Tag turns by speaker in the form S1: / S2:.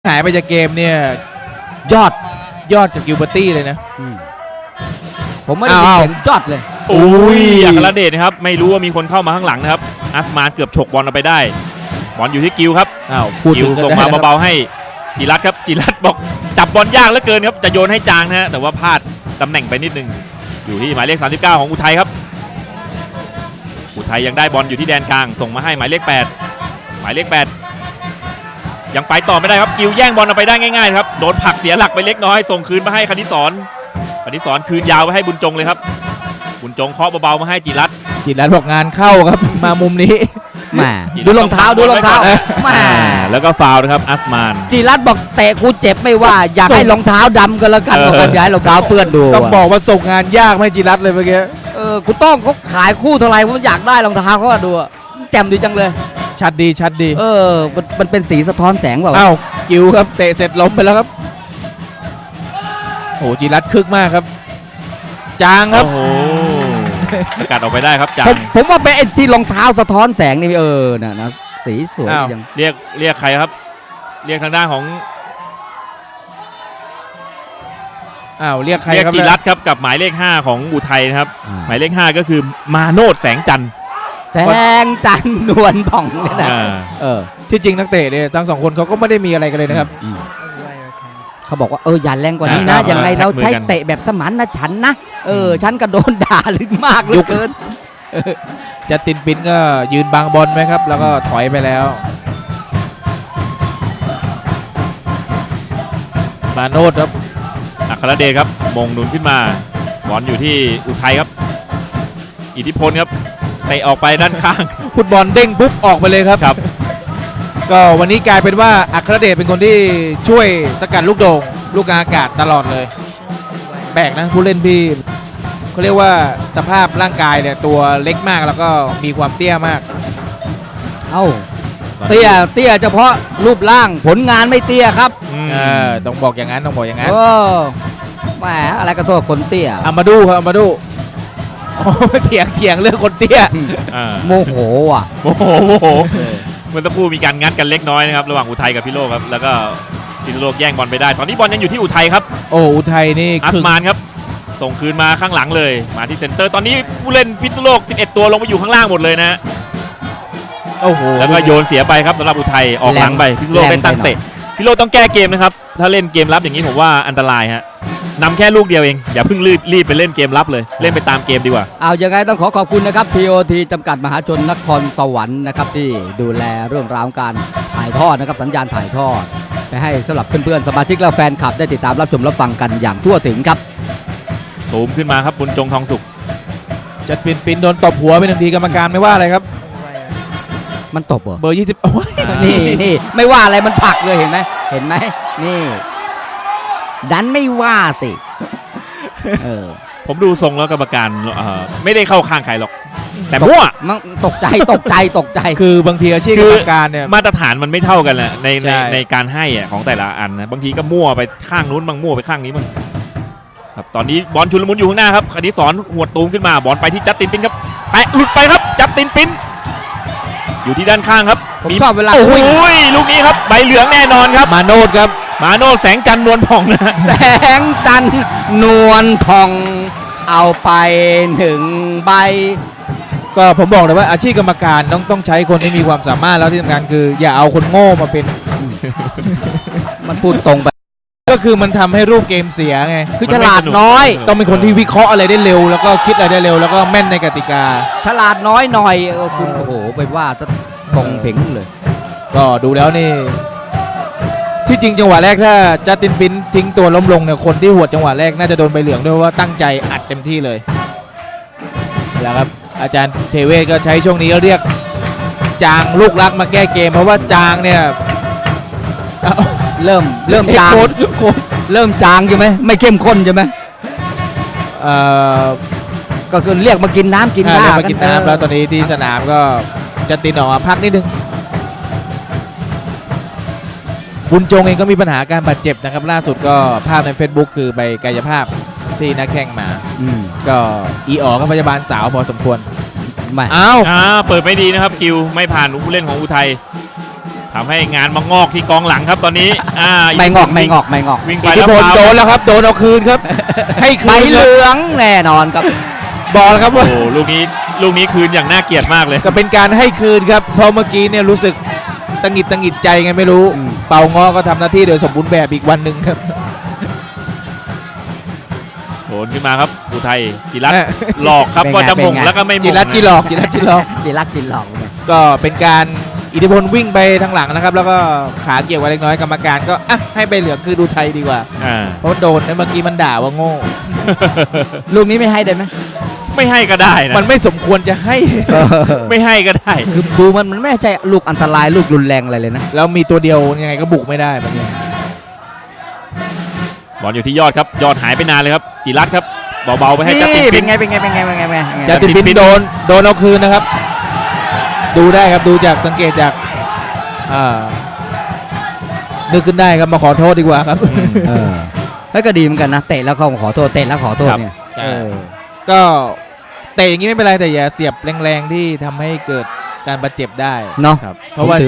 S1: หายไปจากเกมเนี่ยยอดจากกิลเบอร์ตี้เลยนะ
S2: ผมไม่ได้ยินเสียงยอดเลย
S3: อุ้ยอัครเดชนะครับไม่รู้ว่ามีคนเข้ามาข้างหลังนะครับอัสมานเกือบฉกบอลเอาไปได้บอลอยู่ที่กิลครับกิลส่งมาเบาๆให้จิรัตครับจิรัตบอกจับบอลยากเหลือเกินครับจะโยนให้จางนะฮะแต่ว่าพลาดตำแหน่งไปนิดนึงอยู่ที่หมายเลข39ของอุทัยครับอุทัยยังได้บอลอยู่ที่แดนกลางส่งมาให้หมายเลข8หมายเลข8ยังไปต่อไม่ได้ครับกิลแย่งบอลเอาไปได้ง่ายๆครับโดนผลักเสียหลักไปเล็กน้อยส่งคืนมาให้คณิศรคืนยาวไปให้บุญจงเลยครับบุญจงเคาะเบาๆมาให้จิรัต
S1: บอกงานเข้าครับมามุมนี้
S2: แหมดูรองเท้าแหม
S3: แล้วก็ฟาวล์นะครับอัสมาน
S2: จิรัตบอกเตะกูเจ็บไม่ว่าอยากให้รองเท้าดำกันแล้วกันบอกกันย้ายรองเท้าเปื้อนดู
S1: ต้องบอกว่าส่งงานยากไม่จิรัตเลยเมื่อกี้
S2: กูต้องเขาขายคู่เท่าไหร่ผมอยากได้รองเท้าเขาดูแจ่มดีจังเลย
S1: ชัดดี
S2: มันเป็นสีสะท้อนแสงเปล่า
S1: กิวครับเตะเสร็จล้มไปแล้วครับโอ้จิรัตคึกมากครับจางครับ
S3: โอ้สกัดออกไปได้ครับจาง
S2: ผมว่าเป็นไอ้ที่รองเท้าสะท้อนแสงนี่นะสีสวยยัง
S3: เรียกใครครับเรียกทางด้านของ
S1: เรียกใครครับ
S3: จิรัตครับกับหมายเลข5ของอุทัยนะครับหมายเลข5ก็คือมาโนดแสงจันทร์
S2: นวลผ่องเนี่ยนะ
S1: ที่จริงนักเตะเนี่ยทั้งสองคนเขาก็ไม่ได้มีอะไรกันเลยนะครับ
S2: เขาบอกว่าอย่าแรงกว่านี้นะยังไงเราใช้เตะแบบสมานนะฉันนะฉันก็โดนด่าลึกมากเหลือเกิน
S1: จะตินปินก็ยืนบังบอลไหมครับแล้วก็ถอยไปแล้วมาโนดครับ
S3: อัครเดชครับมงหนุนขึ้นมาบอลอยู่ที่อุทัยครับอิทธิพลครับเตะออกไปด้านข้าง
S1: ฟุตบอลเด้งปุ๊บออกไปเลยครับก็วันนี้กลายเป็นว่าอัครเดชเป็นคนที่ช่วยสกัดลูกโด่งลูกอากาศตลอดเลยแบกนะผู้เล่นพี่เขาเรียกว่าสภาพร่างกายเนี่ยตัวเล็กมากแล้วก็มีความเตี้ยมาก
S2: เตี้ยเฉพาะรูปร่างผลงานไม่เตี้ยครับ
S1: ต้องบอกอย่างนั้น
S2: แหมอะไรก็โทษคนเตี้ย
S1: อามาดูครับอามาดูเถียงเรื่องคนเตี้ย
S2: โมโห
S3: เมื่อสักครู่มีการงัดกันเล็กน้อยนะครับระหว่างอุทัยกับพิโลกครับแล้วก็พิโลกแย่งบอลไปได้ตอนนี้บอลยังอยู่ที่อุทัยครับ
S1: อุทัยนี่
S3: อัสมานครับส่งคืนมาข้างหลังเลยมาที่เซ็นเตอร์ตอนนี้ผู้เล่นพิโลก11ตัวลงมาอยู่ข้างล่างหมดเลยนะแล้วก็โยนเสียไปครับสำหรับอุทัยออกหลังไปพิโลกเป็นตั้งเตะพิโลกต้องแก้เกมนะครับถ้าเล่นเกมรับอย่างนี้ผมว่าอันตรายฮะนำแค่ลูกเดียวเองอย่าเพิ่งรีบไปเล่นเกมรับเลยเล่นไปตามเกมดีกว่า
S2: ยังไงต้องขอบคุณนะครับ TOT จำกัดมหาชนนครสวรรค์นะครับที่ดูแลเรื่องราวการถ่ายทอดนะครับสัญญาณถ่ายทอดไปให้สำหรับเพื่อนๆสมาชิกและแฟนคลับได้ติดตามรับชมรับฟังกันอย่างทั่วถึงครับ
S3: ตูมขึ้นมาครับบุญจงทองสุข
S1: จัดปินโดนตบหัวไปหนึ่งทีกรรมการไม่ว่าอะไรครับ
S2: มันตบเหรอ
S1: เบอร์20
S2: นี่ไม่ว่าอะไรมันผลักเลยเห็นไหมนี่ดันไม่ว่าสิ
S3: ผมดูทรงแล้วกรรมการไม่ได้เข้าข้างใครหรอกแต่มั่ว
S2: มันตกใจ
S1: คือบางทีอาชีพกรรมการเนี่ย
S3: มาตรฐานมันไม่เท่ากันแหละในการให้ของแต่ละอันนะบางทีก็มั่วไปข้างนู้นบางมั่วไปข้างนี้มันครับตอนนี้บอลชุลมุนอยู่ข้างหน้าครับคณิศรหัวตูมขึ้นมาบอลไปที่จัสตินปินครับแปะหลุดไปครับจัสตินปินอยู่ที่ด้านข้างครับ
S2: ผมชอบเวลา
S3: ลูกนี้ครับใบเหลืองแน่นอนครับ
S1: มาโนดครับ
S3: มาโนดแสงจันทร์นวลผ่องนะ
S2: แสงจันทร์นวลผ่องเอาไป1ใบ
S1: ก็ผมบอกเลยว่าอาชีพกรรมการต้องใช้คนที่มีความสามารถแล้วที่สำคัญคืออย่าเอาคนโง่มาเป็น
S2: มันพูดตรงไป
S1: ก็คือมันทำให้รูปเกมเสียไง
S2: คือฉลาดน้อย
S1: ต้องเป็นคนที่วิเคราะห์อะไรได้เร็วแล้วก็คิดอะไรได้เร็วแล้วก็แม่นในกติกา
S2: ฉลาดน้อยหน่อยคุณโอ้โหไปว่าตรงเพ่งเลย
S1: ก็ดูแล้วนี่ที่จริงจังหวะแรกถ้าจัสตินปินทิ้งตัวล้มลงเนี่ยคนที่หัวจังหวะแรกน่าจะโดนใบเหลืองด้วยว่าตั้งใจอัดเต็มที่เลยแล้วครับอาจารย์เทเวศก็ใช้ช่วงนี้เรียกจางลูกรักมาแก้เกมเพราะว่าจางเนี่ย
S2: เริ่มจางเริ่มจางใช่ไหมไม่เข้มข้นใช่ไหมก็คือเรียกมากินน้ำกินน้ำ
S1: มากินน้ำแล้วตอนนี้ที่สนามก็จะติดออกมาพักนิดนึงบุญจงเองก็มีปัญหาการบาดเจ็บนะครับล่าสุดก็ภาพใน Facebook คือไปกายภาพที่นักแข่งมาก็ก็พยาบาลสาวพอสมควร
S3: เปิดไม่ดีนะครับกิวไม่ผ่านผู้เล่นของอุทัยทำให้งานมางอกที่กองหลังครับตอนนี้
S2: ไม่งอก
S3: วิ่งไป
S1: อิทธิ
S3: แล้ว
S1: พล
S3: ฟาว
S1: โดนแล้วครับโดนเอาคืนครับ ให้
S2: ใบ
S1: คืน
S2: เห
S1: ครับ
S2: ลืองแน่นอนครับ
S1: บอกแล้วครับ
S3: โอ้
S1: ว่า
S3: โหลูกนี้คืนอย่างน่าเกลียดมากเลย
S1: ก็เป็นการให้คืนครับเพราะเมื่อกี้เนี่ยรู้สึกตังหงิดใจไงไม่รู้
S2: อืม
S1: เป่างอก็ทำหน้าที่โดยสมบูรณ์แบบอีกวันหนึ่งครับ
S3: โผล่ขึ้นมาครับอุทัยจิรัตน์หลอกครับ
S2: เป็นไง
S3: ว่าจะหมง
S2: เป็นไง
S3: แล้วก็ไม่หมง
S1: จิรัตจิหลอก
S2: ดีรักกินหลอกเลย
S1: ก็เป็นการอิทธิพลวิ่งไปทางหลังนะครับ แล้วก็ขาเกี่ยวไว้เล็กน้อยกรรมการก็อ่ะให้ใบเหลืองคือดูไทยดีกว่า
S3: อ่า
S1: เพราะโดนเมื่อกี้มันด่าว่าโง่
S2: ลูกนี้ไม่ให้ได้ไหม
S3: ไม่ให้ก็ได้นะ
S1: มันไม่สมควรจะให้
S3: ไม่ให้ก็ได้
S2: คือดูมันไม่ใช่ลูกอันตรายลูกรุนแรงอะไรเลยนะ
S1: แล้วมีตัวเดียวยังไงก็บุกไม่ได้แบบนี้
S3: บอลอยู่ที่ยอดครับยอดหายไปนานเลยครับจิรัตน์ครับเบาๆไปให้จัสติน
S2: เป็
S3: ปิ
S2: น
S3: น
S2: ไงเป็นไง
S1: จะติดปินโดนเอาคืนนะครับ ดูได้ครับดูจากสังเกตจากนึกขึ้นได้ครับมาขอโทษดีกว่าครับ
S2: แล้วก็ดีเหมือนกันนะเตะแล้วเขาขอโทษเตะแล้วขอโทษเนี่ย
S1: ก็เตะอย่างนี้ไม่เป็นไรแต่อย่าเสียบแรงๆที่ทำให้เกิดการบาดเจ็บได้
S2: เนาะ
S3: ครับ
S1: เพราะว่า